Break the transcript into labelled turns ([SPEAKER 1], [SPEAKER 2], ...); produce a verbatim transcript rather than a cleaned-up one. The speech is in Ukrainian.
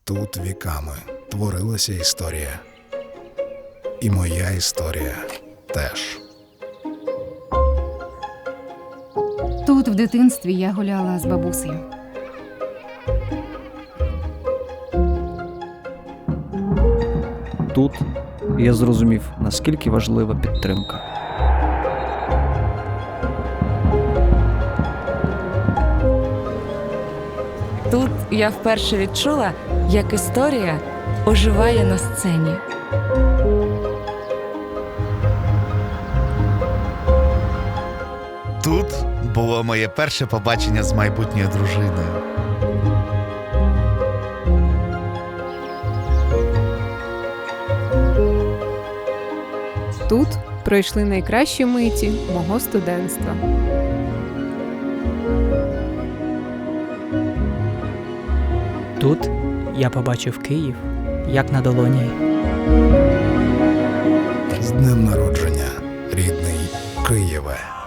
[SPEAKER 1] Тут віками творилася історія. І моя історія теж.
[SPEAKER 2] Тут в дитинстві я гуляла з бабусею.
[SPEAKER 3] Тут я зрозумів, наскільки важлива підтримка.
[SPEAKER 4] Тут я вперше відчула, як історія оживає на сцені.
[SPEAKER 5] Тут було моє перше побачення з майбутньою дружиною.
[SPEAKER 6] Тут пройшли найкращі миті мого студентства.
[SPEAKER 7] Тут я побачив Київ, як на долоні.
[SPEAKER 1] З днем народження, рідний Києве!